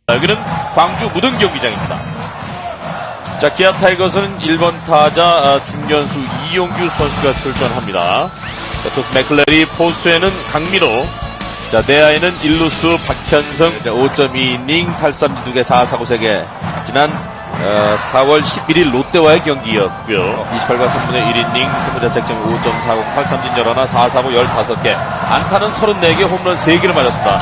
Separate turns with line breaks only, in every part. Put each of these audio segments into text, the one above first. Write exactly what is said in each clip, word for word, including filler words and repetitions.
여기는 광주 무등 경기장입니다. 자, 기아 타이거스는 일 번 타자 중견수 이용규 선수가 출전합니다. 자, 투수 맥클레리, 포수에는 강민호, 자, 내야에는 일루수 박현성. 오 점 이 이닝 팔 삼 두 개 사 사구 세 개. 지난 어, 사월 십일일 롯데와의 경기였고요. 이십팔 과 삼분의 일 이닝 홈런 자책점이 오 점 사구, 팔 삼진 열하나, 사 사구 열다섯 개, 안타는 서른네 개, 홈런 세 개를 맞았습니다.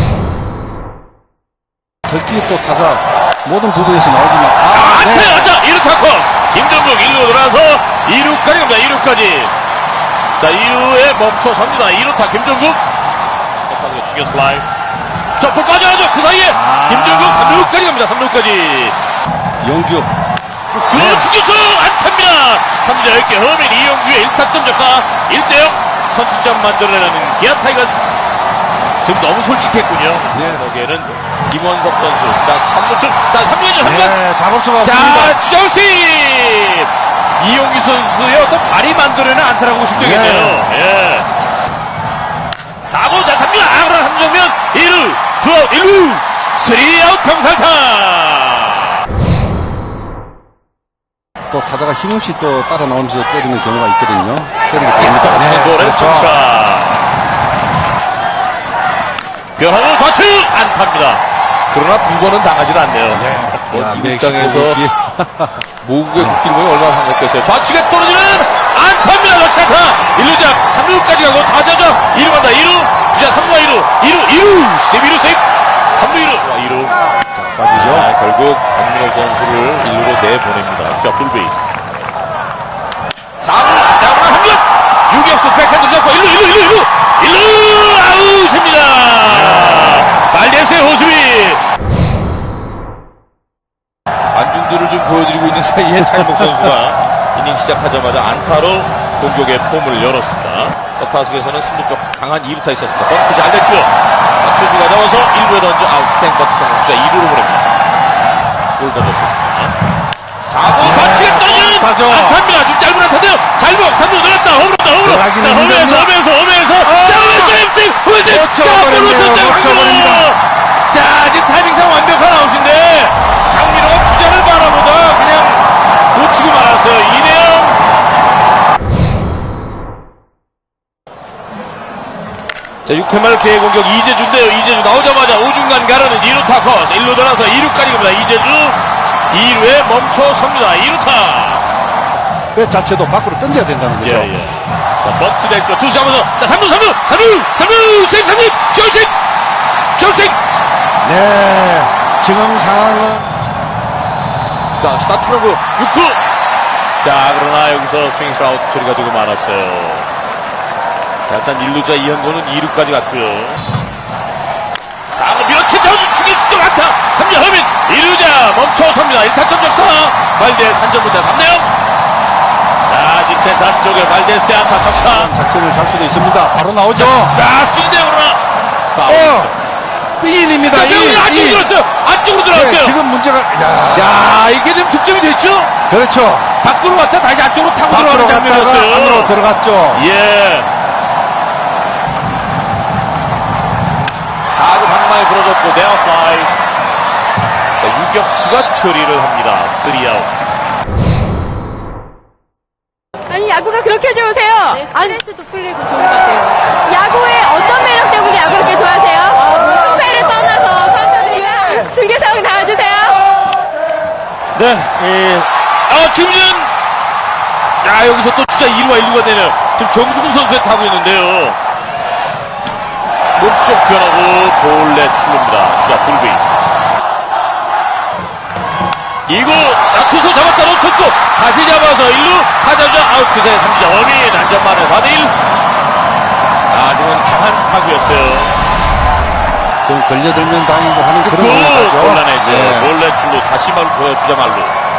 특히 또 타자 모든 구도에서 나오지만
아, 안타!
네.
안타! 이 루 타커! 김정국 일 루 돌아서 이 루까지 갑니다. 이 루까지. 자, 이 루에 멈춰섭니다. 이 루타 김정국. 중견 슬라이. 자, 볼 빠져야죠. 그 사이에
아.
김정국 삼 루까지 갑니다. 삼 루까지.
영규
그
네.
중견수 안타입니다. 삼 점 열 개 허민 이용규의 일 타점 적가 일 대 영 선취점 만들어내는 기아 타이거스. 지금 너무 솔직했군요.
네.
거기에는 김원석 선수. 자, 삼 루 쪽. 자, 삼 루전 삼 루.
네, 잡을 수가 없습니다.
자, 주자우씨 이용규 선수의 어떤 발이 만들어내는 안타라고 보시면 되겠네요. 예. 사 구, 자, 삼 루, 아, 그러나 삼 정면 일 루, 투아웃, 일 루, 삼 아웃 병살타.
또 타자가 힘없이 또 따라 나오면서 때리는 경우가 있거든요. 때리기 때문에. 네,
볼에
그렇죠.
승차. 변화는 좌측 안타입니다. 그러나 두 번은 당하지 않네요.
네.
뭐,
야,
이
멕시코
땅에서
경기.
모국의 국기를 보면 얼마나 반갑겠어요. 좌측에 떨어지는 안타입니다. 좌측 안타. 일 루자 삼 루까지 가고 타자죠. 이 루 간다. 이 루. 주자 삼 루와 이 루. 이 루. 이 루. 세이브 이 루 세이브. 삼 루 이 루. 이 루.
자, 빠지죠.
자, 결국 강민호 선수를 일 루로 내보냅니다. 주자 풀베이스. 사 루. 자, 그럼 한 루. 유격수 백핸드 잡고 일 루. 일 루. 일 루. 일 루. 일 루. 아웃입니다. 말데스의 호수비. 안중들을 좀 보여드리고 있는 사이에 차인복 선수가 이닝 시작하자마자 안타로 공격의 폼을 열었습니다. 첫 타석에서는 삼 루 쪽 강한 이 루타 있었습니다. 번트 잘 됐고요. 자, 투수가 잡아서 일 루에 던져 아웃. 생번트 성공. 주자 이 루로 보냅니다. 볼 던졌습니다. 사 구 좌측에 떨어지는
안타죠.
안타입니다. 좀 짧은 안타인데요. 잘못 삼 루 늘었다. 홈런다. 홈런.
들어가기는
자, 홈에서
힘들면-
홈에서 홈에서
아!
자, 홈에서 홈에서 홈에서
놓쳐버렸네요. 놓쳐버립니다.
자, 지금 타이밍상 완벽한 아웃인데 강민호가 주자를 바라보다 그냥 놓치고 말았어요. 이내영. 자, 육 회 말 개의 공격 이재주인데요. 이재주 나오자마자 우중간 가르는 이 루 타커. 일 루 돌아서 이 루까지 갑니다. 이재주 이 루에 멈춰섭니다. 이 루타.
그 자체도 밖으로 던져야 된다는 거죠.
예, 예. 자, 버트 됐고 투수 잡아서 자, 삼 루 삼 루 삼 루 삼 루 세이브 삼 루 결승 결승.
네, 지금 상황은
자, 스타트로브 육 구. 자, 그러나 여기서 스윙 아웃 처리가 조금 많았어요. 자, 일단 일 루자 이현곤은 이 루까지 갔고요. 사 루 밀어치자 중에 수적 안타. 삼 루 허민 이 루자 멈춰섭니다. 일 타점 적타. 발데 삼 점 문제 삼 대 영. 자, 지금 다시 쪽에 발데스의 안타 적타.
작전을 갈 수도 있습니다. 바로 나오죠.
자, 스킬인데요, 그러나. 파울.
어, 삐인입니다.
자,
이,
안쪽으로
이.
들어왔어요. 안쪽으로 들어왔어요.
네, 지금 문제가, 야,
야, 이게 좀 득점이 됐죠?
그렇죠.
밖으로 왔다 다시 안쪽으로 타고
밖으로
들어가는
갔다가
장면이었어요.
안으로 들어갔죠.
예. 사 구 방망이 부러졌고 네어 플라이. 자, 유격수가 처리를 합니다. 삼 아웃.
아니 야구가 그렇게 좋으세요?
네,
아니,
스트레스도 풀리고 좋은 것 같아요.
야구의 어떤 매력 때문에 야구를 그렇게 좋아하세요?
승패를 떠나서 선수들이
중계 상황 나와주세요.
네, 예. 아, 지금은, 야, 여기서 또 주자 이 루와 일 루가 되네요. 지금 정수근 선수에 타고 있는데요. 몸쪽 변하고 볼넷 틀립니다. 주자 풀베이스. 이 구, 아, 투수 잡았다 놓쳤고, 다시 잡아서 일 루, 타자자 아웃 그새 삼 점, 어민 안전만에 사 대 일. 아, 지금 강한 타구였어요.
지금 걸려들면 다행이고 하는 그런
그,
상황이죠.
곤란해져.
네.
볼넷 출루, 다시 말로 보여주자 말로.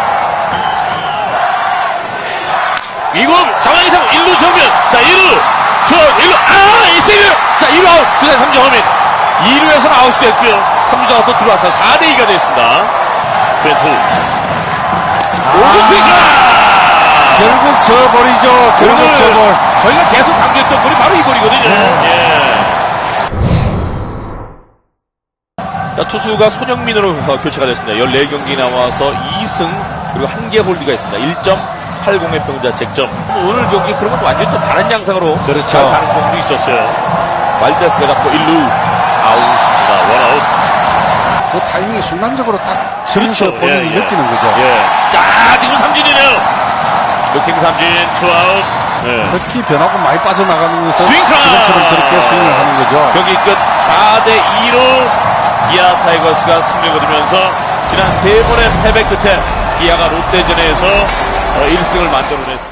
이구, 장난이 타고 일 루 정면. 자, 일 루, 투 아웃, 일 루, 아, 이 세이브. 자, 일 루 아웃, 그새 삼 점, 어민. 이 루에서는 아웃이 됐고요. 삼 루자가 또 들어와서 사 대 이가 됐습니다. 트웬트. 오구 스윙!
결국 저 볼이죠. 결국
오늘
저 볼.
저희가 계속 강조했던 볼이 바로 이 볼이거든요.
네.
예. 자, 투수가 손흥민으로 어, 교체가 됐습니다. 열네 경기 나와서 이 승 그리고 한 개 홀드가 있습니다. 일 점 팔십의 평자책점. 오늘 경기 그런 건 완전히 또 다른 양상으로
그렇죠.
다른 종도 있었어요. 말데스가 잡고 일 루 아웃입니다. 원아웃.
그 타이밍이 순간적으로 딱 치면서
그렇죠.
본인이
예, 예.
느끼는 거죠.
예. 자, 지금 삼진이네요. 루킹 삼진, 투아웃. 예.
특히 변화구 많이 빠져나가는 것은
스윙 카운트!
지금처럼 저렇게 스윙을 하는 거죠.
경기 끝 사 대 이로 기아 타이거스가 승리를 거두면서 지난 세 번의 패배 끝에 기아가 롯데전에서 일 승을 만들어냈습니다.